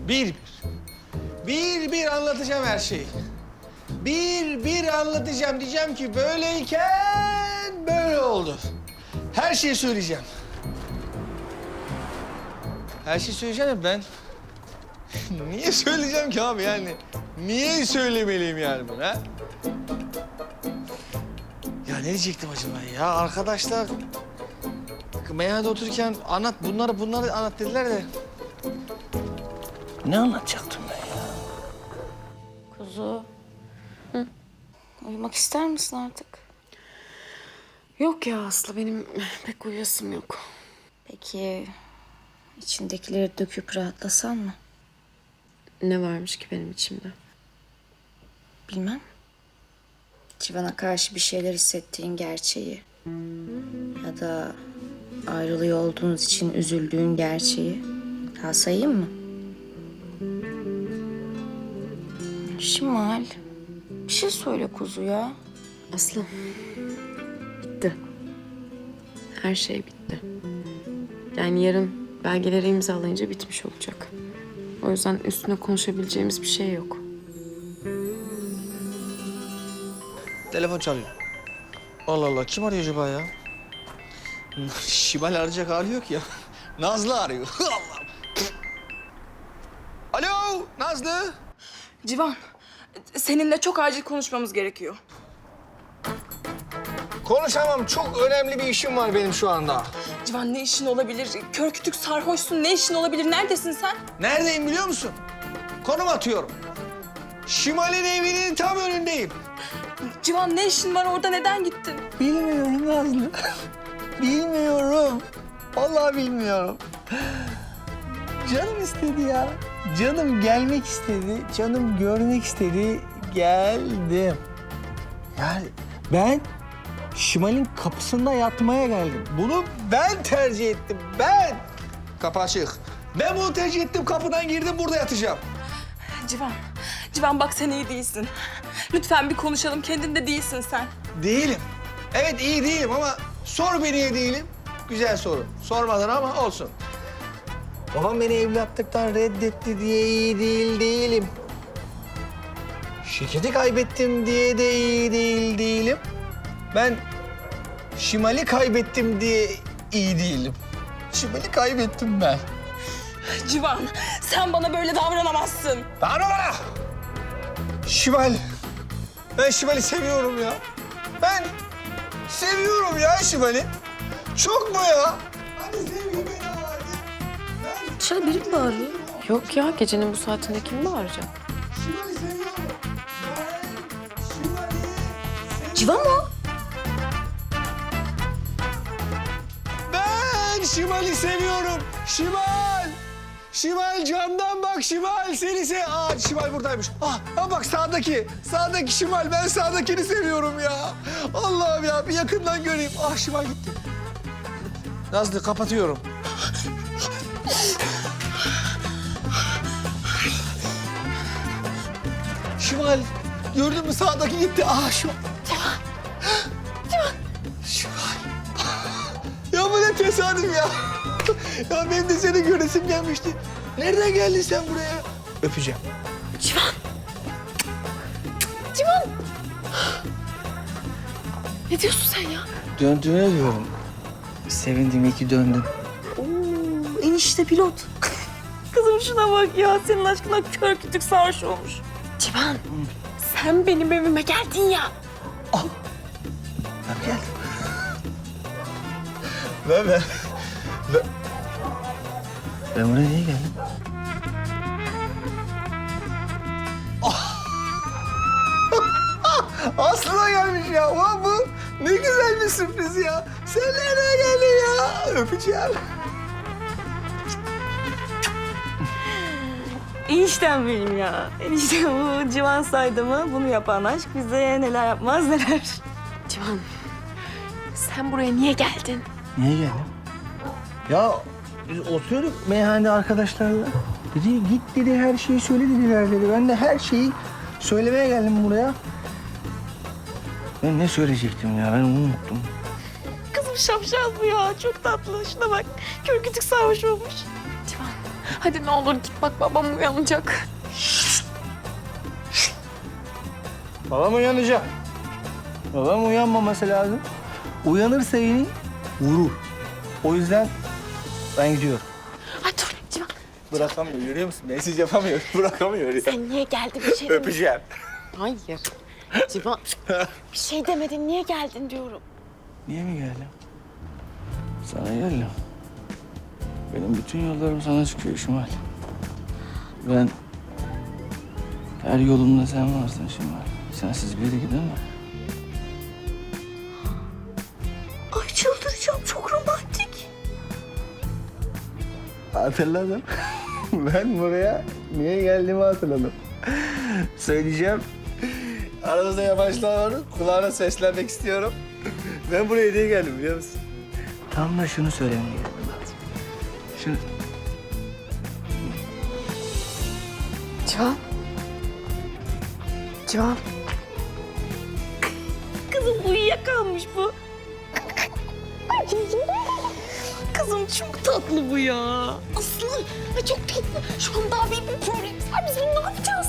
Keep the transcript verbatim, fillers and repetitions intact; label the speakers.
Speaker 1: Bir bir. Bir bir anlatacağım her şeyi. Bir bir anlatacağım. Diyeceğim ki böyleyken böyle oldu. Her şeyi söyleyeceğim. Her şeyi söyleyeceğim de ben... Niye söyleyeceğim ki abi yani? Niye söylemeliyim yani bunu ha? Ya ne diyecektim acaba ya? Arkadaşlar meyhanede otururken anlat bunları bunları anlat dediler de. Ne anlatacaktım ben ya?
Speaker 2: Kuzu. Hı? Uyumak ister misin artık?
Speaker 3: Yok ya Aslı, benim pek uyuyasım yok.
Speaker 2: Peki içindekileri döküp rahatlasan mı?
Speaker 3: Ne varmış ki benim içimde?
Speaker 2: Bilmem. Civan'a karşı bir şeyler hissettiğin gerçeği. Ya da ayrılıyor olduğunuz için üzüldüğün gerçeği. Daha sayayım mı? Şimal, bir şey söyle kuzu ya.
Speaker 3: Aslı, bitti. Her şey bitti. Yani yarın belgeleri imzalayınca bitmiş olacak. O yüzden üstüne konuşabileceğimiz bir şey yok.
Speaker 1: Telefon çalıyor. Allah Allah kim arıyor acaba ya? Şimal arayacak hali yok ya. Nazlı arıyor. Allah. Alo Nazlı.
Speaker 4: Civan, seninle çok acil konuşmamız gerekiyor.
Speaker 1: Konuşamam. Çok önemli bir işim var benim şu anda.
Speaker 4: Civan ne işin olabilir? Kör kütük sarhoşsun. Ne işin olabilir? Neredesin sen?
Speaker 1: Neredeyim biliyor musun? Konum atıyorum. Şimal'in evinin tam önündeyim.
Speaker 4: Civan ne işin var orada? Neden gittin?
Speaker 1: Bilmiyorum Nazlı. Bilmiyorum. Vallahi bilmiyorum. Canım istedi ya. Canım gelmek istedi. Canım görmek istedi. Geldim. Yani ben Şimal'in kapısında yatmaya geldim. Bunu ben tercih ettim. Ben. Kapı açık. Ben bunu tercih ettim. Kapıdan girdim. Burada yatacağım.
Speaker 4: Civan, Civan bak sen iyi değilsin. Lütfen bir konuşalım. Kendinde değilsin sen.
Speaker 1: Değilim. Evet iyi değilim ama sor beni niye değilim. Güzel soru. Sormadın ama olsun. Babam beni evlatlıktan reddetti diye iyi değil değilim. Şirketi kaybettim diye de iyi değil değilim. Ben Şimal'i kaybettim diye iyi değilim. Şimal'i kaybettim ben.
Speaker 4: Civan, sen bana böyle davranamazsın.
Speaker 1: Bağırma bana! Şimal. Ben Şimal'i seviyorum ya. Ben seviyorum ya Şimal'i. Çok mu ya? Hadi sevgi beni hadi. Ben
Speaker 2: Dışarı biri mi bağırıyor?
Speaker 3: Yok ya, gecenin bu saatinde kim bağıracak?
Speaker 1: Şimal'i seviyorum. Ben Şimal'i seviyorum.
Speaker 2: Civan mı o?
Speaker 1: Ben Şimal'i seviyorum. Şimal! Şimal camdan bak Şimal seni se... Aa Şimal buradaymış. Ah ha bak sağdaki. Sağdaki Şimal. Ben sağdakini seviyorum ya. Allah'ım ya bir yakından göreyim. Ah Şimal gitti. Nazlı kapatıyorum. Şimal gördün mü sağdaki gitti. Ah Şimal. Şimal. Ya bu ne tesadüf ya. Ya benim de seni göresim gelmişti. Nereden geldin sen buraya? Öpeceğim.
Speaker 3: Civan! Civan! Ne diyorsun sen ya?
Speaker 1: Döndüğüne diyorum. Sevindim iyi ki döndün.
Speaker 4: Oo, enişte pilot. Kızım şuna bak ya. Senin aşkına kör kütük sarhoş olmuş.
Speaker 3: Civan! Sen benim evime geldin ya.
Speaker 1: Ben geldim. Ben ben. Ben, ben buraya niye geldim? Aslına gelmiş ya. Ulan bu ne güzel bir sürpriz ya. Sen nereye geldin ya? Öpeceğim.
Speaker 4: Eniştem benim ya. Enişte bu Civan saydı mı bunu yapan aşk bize neler yapmaz neler.
Speaker 3: Civan, sen buraya niye geldin?
Speaker 1: Niye geldin? Ya biz oturuyorduk meyhanede arkadaşlarla. Dedi git dedi her şeyi söyle dediler dedi. Ben de her şeyi söylemeye geldim buraya. Ben ne söyleyecektim ya ben unuttum.
Speaker 4: Kızım şapşal bu ya. Çok tatlı. Şuna bak. Kör kütük sarhoş olmuş.
Speaker 3: Civan, Hadi ne olur git bak babam uyanacak.
Speaker 1: Babam uyanacak. Babam uyanmaması lazım. Uyanırsa beni vurur. O yüzden ben gidiyorum.
Speaker 3: Ay dur Civan.
Speaker 1: Bırakamıyor, görüyor musun? Mesaj yapamıyor, bırakamıyor. Ya.
Speaker 3: Sen niye geldin bir şey demedin?
Speaker 1: Öpeceğim.
Speaker 3: Hayır. Civan bir şey demedin niye geldin diyorum.
Speaker 1: Niye mi geldim? Sana geldim. Benim bütün yollarım sana çıkıyor Şimal. Ben her yolumda sen varsın Şimal. Sensiz bir yere gidemem.
Speaker 4: Ay çıldıracağım, çok romantik.
Speaker 1: Hatırladım. Ben buraya niye geldiğimi hatırladım. Söyleyeceğim. Aramızda yabancılar var. Kulağına seslenmek istiyorum. Ben buraya niye geldim biliyor musun? Tam da şunu söylemeye geldim. Şunu...
Speaker 3: Civan. Civan.
Speaker 4: Kızım uyuyakalmış bu. Kızım çok tatlı bu ya. Aslı ay çok tatlı. Şu an daha büyük bir problem var. Biz bunu ne yapacağız?